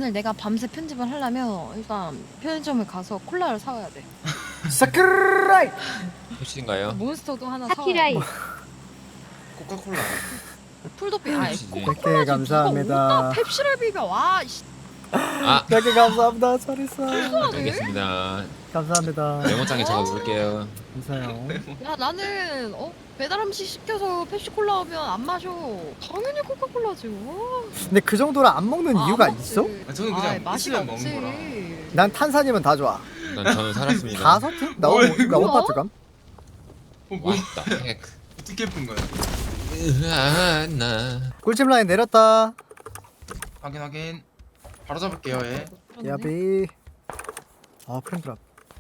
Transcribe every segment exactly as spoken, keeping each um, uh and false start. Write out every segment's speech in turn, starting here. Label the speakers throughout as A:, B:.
A: 오늘 내가 밤새 편집을 하려면 일단 편의점을 가서 콜라를 사와야 돼.
B: 사쿠라이.
C: 혹시인가요?
A: 몬스터도 하나 사와야
D: 사키라이.
A: 돼.
E: 코카콜라.
A: 풀도피 아
C: 혹시-
B: 백 개
A: 코카콜라지
B: 감사합니다.
A: 누가 펩시를 비벼. 와 씨.
C: 아,
B: 백 개 감사합니다. 잘했어.
C: 알겠습니다.
B: 감사합니다.
C: 메모장에 적어놓을게요.
B: 감사해요.
A: 야 나는 어 배달 음식 시켜서 펩시콜라 하면 안 마셔. 당연히 코카콜라지. 와.
B: 근데 그 정도로 안 먹는
A: 아,
B: 이유가
A: 안 먹지.
B: 있어?
E: 아, 저는 그냥
A: 아이, 맛이
E: 있으면
A: 없지.
E: 먹는 거라.
B: 난 탄산이면 다 좋아.
C: 난 저는 살았습니다.
B: 다섯 개? 나 오,
E: 뭐야,
B: 나
E: 이거?
B: 오파트감.
E: 어, 뭐
C: 왔다. 핵.
E: 어떻게 푼 거야?
C: 으아, 나.
B: 꿀집 라인 내렸다.
E: 확인 확인. 바로 잡을게요. 예.
A: 그렇네.
B: 야비. 아 프렌드랍.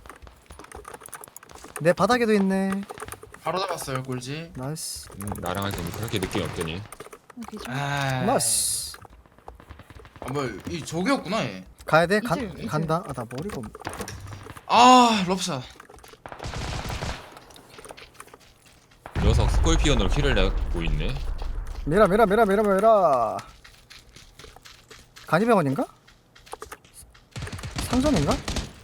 B: 내 바닥에도 있네.
E: 바로 잡았어요 꿀지.
B: 나이스.
C: 음, 나랑 할때 그렇게 느낌이 없더니.
A: 어, 기절.
E: 아.
B: 나이스.
E: 아 뭐이 저기였구나 얘.
B: 가야 돼? 간,
A: 이슬, 이슬.
B: 간다. 아 나 머리가 없...
E: 아 럽샷.
C: 녀석 스콜피언으로 키를 내고 있네.
B: 미라 미라 미라 미라 미라. 간이병원인가? 상점인가?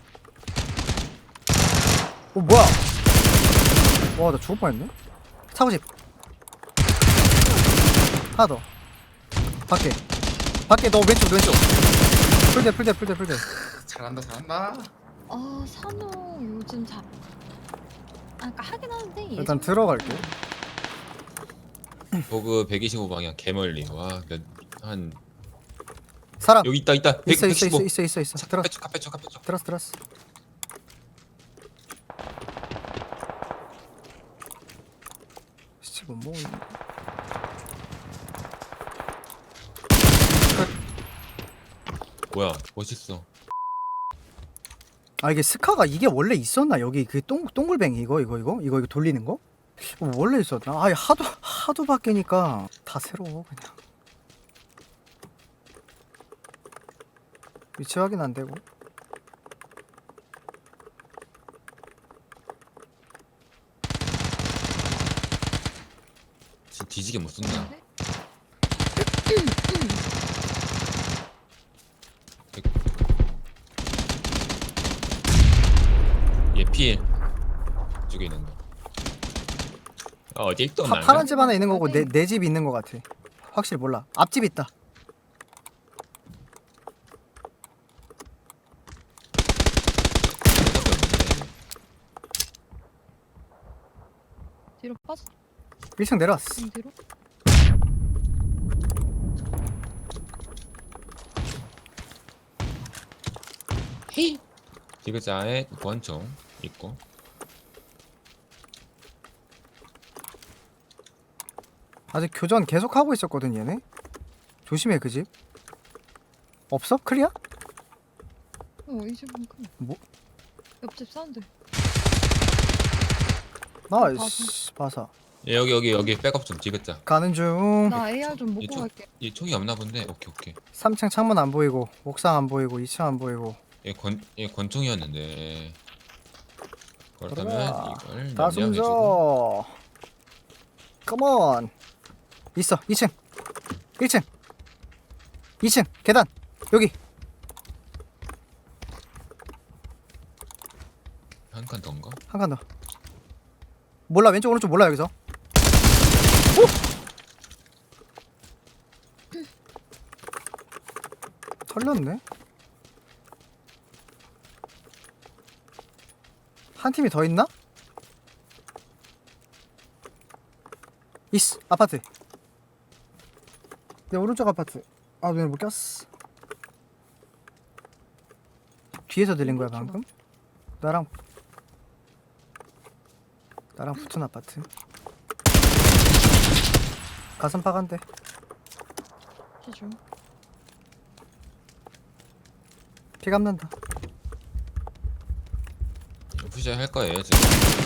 B: 어 뭐야? 와 나 죽을 뻔했네. 차고집. 하나 더. 밖에. 밖에 너 왼쪽 왼쪽. 풀대 풀대 풀대 풀대.
E: 잘한다 잘한다.
A: 아 산호 요즘 잘. 아 그러니까 하긴 하는데
B: 일단
A: 예전
B: 들어갈게.
C: 보그 백이십오 방향 개멀리. 와, 몇, 한
B: 사람.
C: 여기 있다 있다.
B: 있어
C: 백,
B: 있어 있어
C: 백십오.
B: 있어 있어 있어. 들어
C: 카페쪽 카페쪽 카페쪽.
B: 들었어 들었어. 씨, 뭐 뭐.
C: 뭐야, 멋있어.
B: 아 이게 스카가 이게 원래 있었나 여기 그 똥 동글뱅이 이거 이거 이거 이거 이거 돌리는 거? 어, 원래 있었나? 아 하도 하도 바뀌니까 다 새로워 그냥. 위치 확인 안 되고.
C: 진짜 뒤지게 못 쏜다. 얘 필. 쪽에 있는 거. 어, 어딜 또
B: 파,
C: 나가?
B: 파란 집 하나 있는 거고 내 내 집 있는 거 같아. 확실히 몰라. 앞집 있다.
A: 뒤로 빠져.
B: 일 층 내려왔어.
A: 좀 뒤로.
C: 디귿자에 권총 있고.
B: 아직 교전 계속 하고 있었거든 얘네. 조심해 그 집. 없어? 클리어?
A: 어이 집은 큰.
B: 뭐?
A: 옆집 사운드.
B: 나이스. 봐서.
C: 예, 여기 여기 여기 백업 좀 디귿자.
B: 가는 중.
A: 나 에이알 좀 먹고
C: 이쪽.
A: 갈게.
C: 이 총이 없나 본데. 오케이 오케이.
B: 삼 층 창문 안 보이고 옥상 안 보이고 이 층 안 보이고.
C: 얘권얘 권총이었는데. 그렇다면
B: 들어가.
C: 이걸
B: 다
C: 남양해주고.
B: 숨져. 컴온. 있어. 이 층. 일 층. 이 층. 계단. 여기.
C: 한 칸 더인가?
B: 한 칸 더. 몰라. 왼쪽 오른쪽 몰라 여기서. 오! 털렸네. 한 팀이 더 있나? 있어. 아파트. 내 오른쪽 아파트. 아 눈에 못 꼈어. 뒤에서 들린 거야 방금? 나랑 나랑 붙은 아파트. 가슴 파간데.
A: 기준.
B: 피 감는다.
C: 푸시 할 거예요 지금.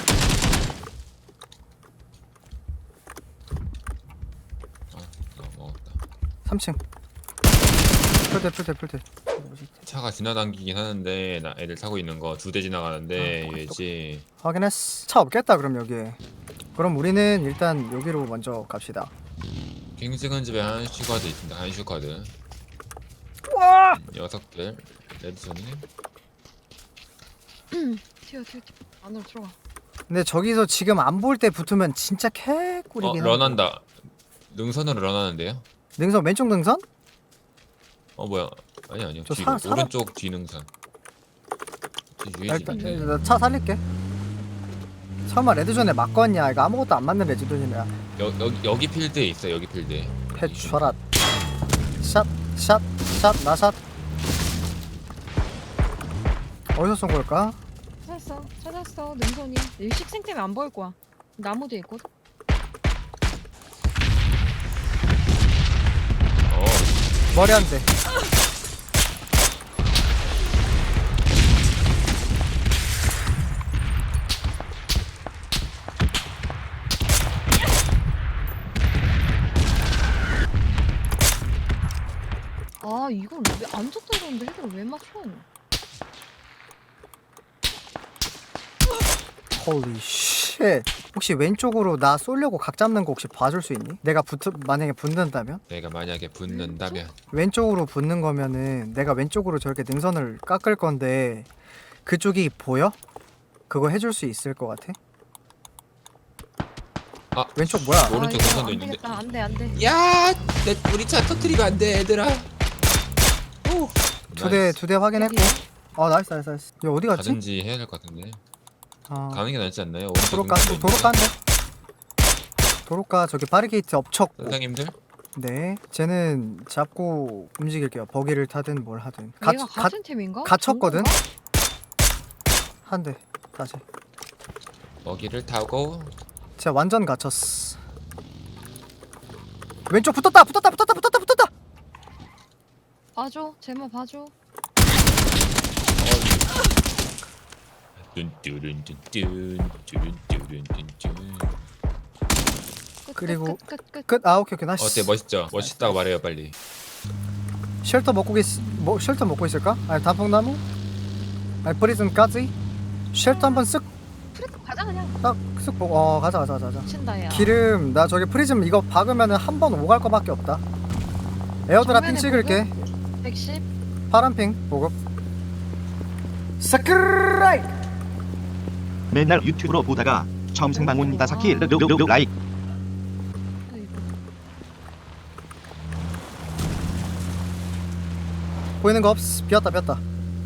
C: 아, 나 먹었다.
B: 삼 층. 풀대 풀대 풀대.
C: 차가 지나당기긴 하는데 나 애들 타고 있는 거 두 대 지나가는데 얘지.
B: 확인했어. 차 없겠다 그럼 여기에. 그럼 우리는 일단 여기로 먼저 갑시다.
C: 킹스건 집에 한 슈카드 있습니다. 한 슈카드.
B: 와
C: 녀석들 레드존이.
A: 튀어 튀어 튀어. 안으로 들어가.
B: 근데 저기서 지금 안 볼 때 붙으면 진짜
C: 어
B: 개꿀이긴 한데.
C: 런한다. 능선으로 런하는데요?
B: 능선 왼쪽 능선?
C: 어 뭐야? 아니 아니요.
B: 저
C: 뒤
B: 사- 살아-
C: 오른쪽 뒤 능선. 뒤
B: 야,
C: 유해지
B: 일단
C: 있는데.
B: 나 차 살릴게. 설마 레드존에 맞거냐? 이거 아무것도 안 맞는 레드존이야.
C: 여, 여기 여기 필드에 있어. 여기 필드에.
B: 해쳐라. 샷, 샷, 샷, 나샷. 어디서 쏜 걸까?
A: 찾았어 찾았어 능선이. 일식생 때문에 안 보일 거야. 나무 뒤에 있거든.
C: 어.
B: 머리 한 대.
A: 아 이걸 왜 안 쳤다 그러는데 헤드를 왜 맞춰?
B: 홀리 쉣. 혹시 왼쪽으로 나 쏘려고 각 잡는 거 혹시 봐줄 수 있니? 내가 붙 만약에 붙는다면?
C: 내가 만약에 붙는다면
B: 왼쪽으로 붙는 거면은 내가 왼쪽으로 저렇게 능선을 깎을 건데 그쪽이 보여? 그거 해줄 수 있을 것 같아?
C: 아
B: 왼쪽 뭐야?
C: 오른쪽
A: 아, 이거
C: 능선도
A: 안
C: 있는데.
A: 되겠다. 안돼 안돼.
C: 야, 내 우리 차 터트리면 안 돼, 얘들아. 오.
B: 두 대 두 대 확인했고. 어 나이스 나이스 나이스. 이거 어디 갔지?
C: 가든지 해야 될 것 같은데.
B: 아
C: 가는 게 낫지 않나요? 오른쪽
B: 도로가
C: 능선도
B: 도로가인데.
C: 있는데.
B: 도로가 저기 바리게이트 엎쳤고.
C: 선생님들
B: 네, 쟤는 잡고 움직일게요. 버기를 타든 뭘 하든. 가,
A: 얘가
B: 가,
A: 같은 팀인가?
B: 갇혔거든?
A: 중국인가?
B: 한 대. 다시.
C: 먹이를 타고
B: 진짜 완전 갇혔어. 왼쪽 붙었다, 붙었다, 붙었다, 붙었다, 붙었다.
A: 봐줘 제모 봐줘.
C: 뚠뚠뚠뚠 뚠뚠뚠뚠.
A: 끝,
B: 그리고
A: 끝, 끝, 끝, 끝.
B: 끝. 아, 오케이, 오케이, 나이스.
C: 어때 멋있죠? 멋있다고 말해요 빨리.
B: 쉘터 먹고 있, 뭐 쉘터 먹고 있을까? 아니 단풍나무? 아니 프리즌까지? 쉘터 한번 쓱,
A: 프레드 가자 그냥.
B: 딱, 쓱 보고. 어, 가자, 가자, 가자, 가자.
A: 친다 야.
B: 기름, 나 저기 프리즘 이거 박으면은 한 번 오갈 거밖에 없다. 에어드랍 핑
A: 정면에
B: 찍을게.
A: 백십.
B: 파란 핑 보급. 사크라이.
D: 맨날 유튜브로 보다가 처음 생방문 다사키 르르르르 라이
B: 보이는 거 없어. 비었다, 비었다.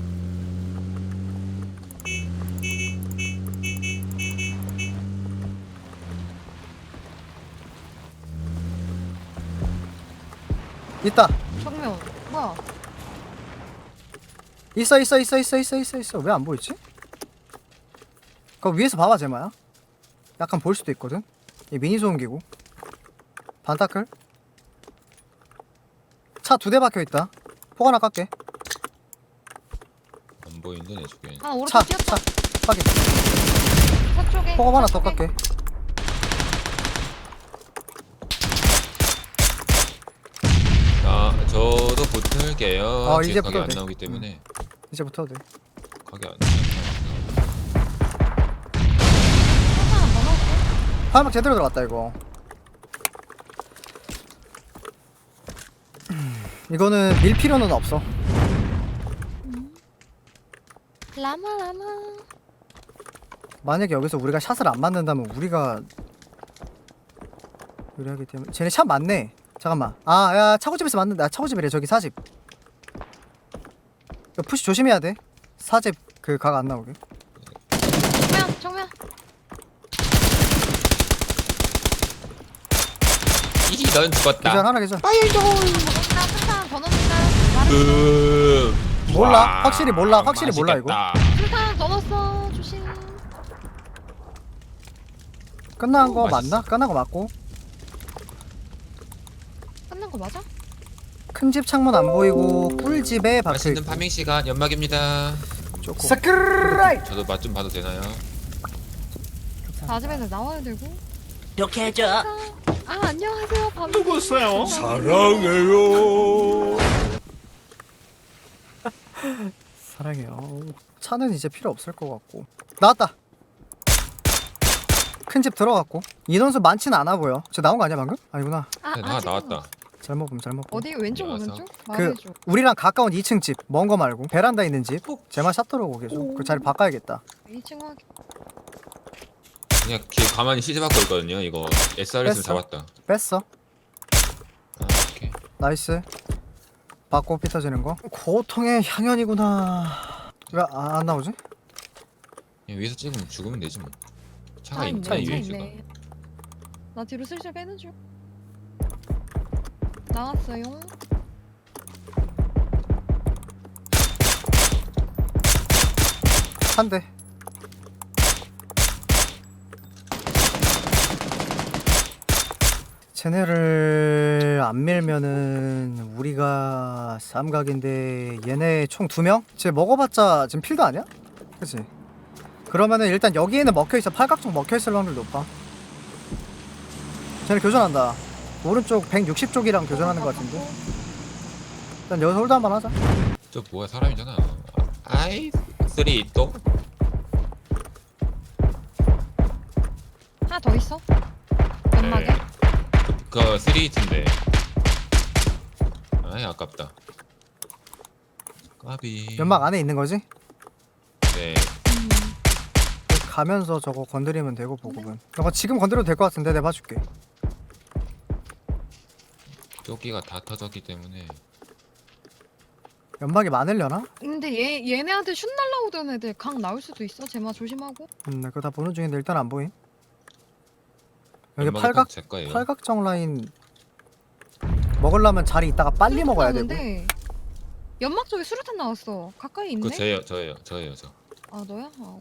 B: 있다.
A: 정면. 뭐야?
B: 있어, 있어, 있어, 있어, 있어, 있어, 있어. 왜 안 보이지? 그거 위에서 봐봐, 제마야. 약간 보일 수도 있거든. 이 미니 소음기고. 반타클. 차 두 대 박혀 있다. 폭 하나 깎게.
C: 안 보이는데 내 쪽에.
A: 아 오른쪽
B: 차,
A: 뛰었다.
B: 차, 확인.
A: 차 쪽에.
B: 폭 하나
A: 차
B: 더
A: 쪽에.
B: 깎게.
C: 아 저도 붙을게요.
B: 어,
C: 뒤에
B: 이제
C: 가게
B: 붙어도
C: 안
B: 돼.
C: 나오기 때문에
B: 이제 붙어도 돼.
C: 가게 안.
A: 하나 더 넣을게.
B: 화염막 제대로 들어갔다 이거. 이거는 밀 필요는 없어.
A: 라마 라마.
B: 만약에 여기서 우리가 샷을 안 맞는다면 우리가 유리하기 때문에. 쟤네 샷 맞네. 잠깐만. 아, 야, 차고집에서 맞는다. 아, 차고집이래. 저기 사집. 이거 푸시 조심해야 돼. 사집 그 각 안 나오게.
A: 정면 정면.
C: 이 넌
B: 계절
C: 죽었다.
B: 하나 계절.
A: 더 넣는다. 술탄 더 넣는다. 말해.
C: 음.
B: 몰라.
C: 와,
B: 확실히 몰라. 확실히 몰라, 이거.
C: 맛있겠다.
A: 술탄 더 넣었어. 조심.
B: 끝난
C: 오,
B: 거
C: 맛있어.
B: 맞나? 끝난 거 맞고.
A: 끝난 거 맞아?
B: 큰 집 창문 안 보이고 꿀집에 박혀
C: 맛있는
B: 있고.
C: 파밍 시간 연막입니다.
B: 좋고. 사크라이.
C: 저도 맛 좀 봐도 되나요?
A: 아즈맨을 나와야 되고.
F: 이렇게 해줘.
A: 아 안녕하세요. 밤.
F: 누구세요?
C: 사랑해요.
B: 사랑해요. 차는 이제 필요 없을 것 같고. 나왔다. 큰 집 들어갔고. 인원수 많진 않아 보여. 저 나온 거 아니야 방금? 아니구나.
A: 아,
C: 네, 나
A: 아직은
C: 나왔다.
B: 잘못 보면 잘못 보.
A: 어디 왼쪽
C: 와서.
A: 오른쪽? 말해줘.
B: 우리랑 가까운 이 층 집, 먼 거 말고 베란다 있는 집. 제마 샷 들어오고 계속. 그 자리 바꿔야겠다.
A: 이 층 확인.
C: 그냥 걔 가만히 시즈 받고 있거든요. 이거 에스알에스
B: 뺐어.
C: 잡았다.
B: 뺐어.
C: 아, 오케이.
B: 나이스. 받고 삐터지는 거. 고통의 향연이구나. 왜 안 나오지?
C: 그냥 위에서 찍으면 죽으면 되지 뭐. 차가
A: 차
C: 있네
A: 있네. 차
C: 위에 지금.
A: 있네. 나 뒤로 슬슬 빼는 중. 나왔어요.
B: 한 대. 쟤네를 안 밀면은 우리가 쌈각인데 얘네 총 두 명? 쟤 먹어봤자 지금 필드 아니야? 그치? 그러면은 일단 여기에는 먹혀있어. 팔각정 먹혀있을 확률 높아. 쟤네 교전한다. 오른쪽 백육십 쪽이랑 교전하는 것 같은데. 일단 여기서 홀드 한번 하자.
C: 저 뭐야 사람이잖아. 아이 쓰리 또
A: 하나 더 있어. 연막에.
C: 네. 그 쓰리히트인데. 아이 아깝다. 까비.
B: 연막 안에 있는 거지?
C: 네.
A: 음.
B: 가면서 저거 건드리면 되고 보급은. 저거 지금 건드려도 될 것 같은데 내가 봐줄게.
C: 조끼가 다 터졌기 때문에.
B: 연막이 많으려나?
A: 근데 얘 얘네한테 슛 날라오던 애들 강 나올 수도 있어. 제마 조심하고.
B: 음, 나 그거 다 보는 중인데 일단 안 보임. 여기
C: 연막이
B: 팔각
C: 딱 제 거예요.
B: 팔각정 라인 먹으려면 자리 있다가 빨리 먹어야 되고.
A: 나왔는데 연막 쪽에 수류탄 나왔어. 가까이 있네.
C: 그거 저예요, 저예요, 저예요, 저.
A: 아 너야? 아.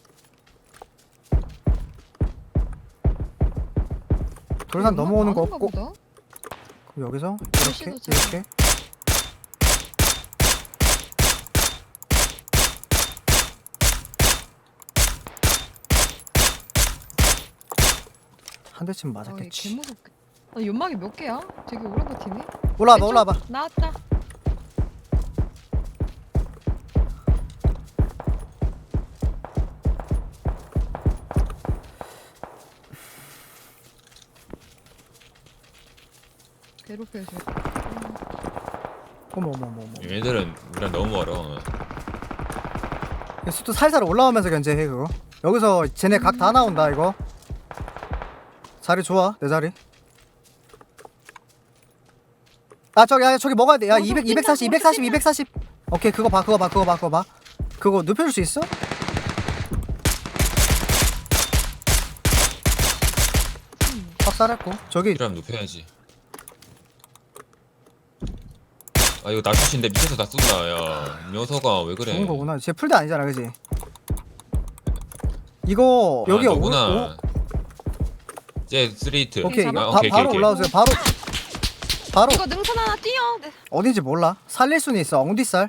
B: 돌산
A: 연막
B: 넘어오는 거
A: 많은가
B: 없고.
A: 보다.
B: 그럼 여기서 이렇게
A: 글씨도 잘-
B: 이렇게. 한 대쯤
A: 아,
B: 맞았겠지.
A: 개 무섭게. 아, 연막이 몇 개야? 되게 오래 버티네.
B: 올라와봐
A: 왼쪽
B: 올라와봐.
A: 나왔다. 괴롭혀줘.
B: 어머 어머 어머 어머.
C: 얘네들은 우리랑 너무 멀어.
B: 수도 살살 올라오면서 견제해 그거. 여기서 쟤네 각 다 나온다 이거. 자리 좋아 내 자리. 아 저기 야 저기 먹어야 돼. 야
A: 오른쪽
B: 이백
A: 뛴다,
B: 이백사십
A: 오른쪽
B: 이백사십
A: 뛴다.
B: 이백사십. 오케이 그거 봐 그거 봐 그거 봐 그거 봐. 그거 눕혀줄 수 있어? 확살했고 저기
C: 그럼 눕혀야지. 아 이거 나슛인데 밑에서 다 쏜다. 야 녀석아 왜 그래?
B: 좋은 거구나. 쟤 풀대 아니잖아 그지? 이거 여기
C: 아,
B: 오-
C: 너구나. 쟤 쓰리히트.
B: 오케이
A: 잡아?
B: 이거
C: 아,
B: 바,
C: 오케이,
B: 바로
C: 오케이, 오케이.
B: 올라오세요. 바로 바로
A: 이거 능선 하나 띄어. 네.
B: 어딘지 몰라. 살릴 수는 있어. 엉디살.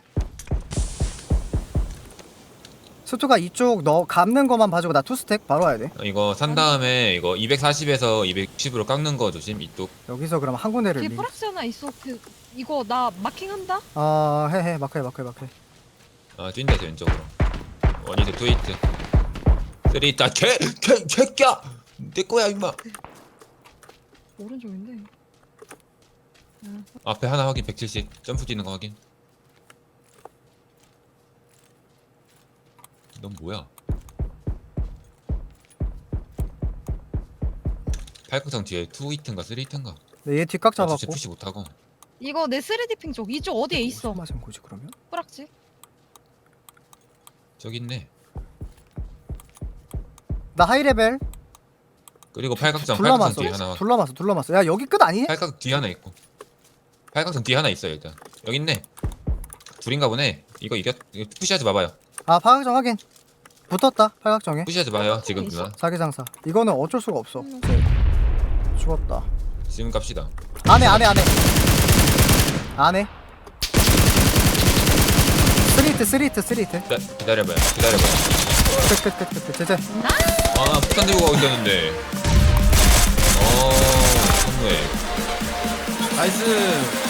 B: 수투가 이쪽 너 감는 거만 봐주고 나 투스택 바로 와야 돼.
C: 어, 이거 산 다음에 이거 이백사십에서 이백육십으로 깎는 거 조심. 이쪽.
B: 여기서 그럼 한 군데를
A: 뒤에
B: 미.
A: 프락스 하나 있어. 그 이거 나 마킹한다.
B: 아 해해 마크해 마크해 마크해.
C: 아 뛴다 쟤 왼쪽으로. 원히트 투히트. 쓰리히트. 아, 개개 개끼야. 내 거야 임마.
A: 오른쪽인데.
C: 앞에 하나 확인. 백칠십. 점프 뛰는 거 확인. 넌 뭐야? 팔각정 뒤에 투히트인가 쓰리히트인가?
B: 네, 얘 뒷각
C: 아, 진짜
B: 잡았고.
C: 푸시 못하고.
A: 이거 내 쓰리디 핑 쪽. 이쪽 어디에 있어?
B: 무슨 맛인 거지 그러면?
A: 프락지.
C: 저기 있네.
B: 나 하이레벨
C: 그리고 팔각정 팔각정
B: 둘러맞어.
C: 뒤에 하나.
B: 둘러맞어 둘러맞어. 야 여기 끝 아니니?
C: 팔각 뒤에 하나 있고. 팔각정 뒤에 하나 있어요 일단. 여기 있네. 둘인가 보네. 이거 이겼. 이거 푸시하지 마봐요.
B: 아 파각정 확인. 붙었다 팔각정에.
C: 푸시하지 마요 지금 누나.
B: 자기장사. 이거는 어쩔 수가 없어.
A: 음.
B: 죽었다.
C: 지금 갑시다.
B: 안해 안해 안해. 안해. 스리트 스리트 스리트.
C: 기다, 기다려봐요. 기다려봐요.
B: 끝끝끝끝 제제.
C: 아 폭탄 들고 가고 있었는데. 어 선무해. 나이스.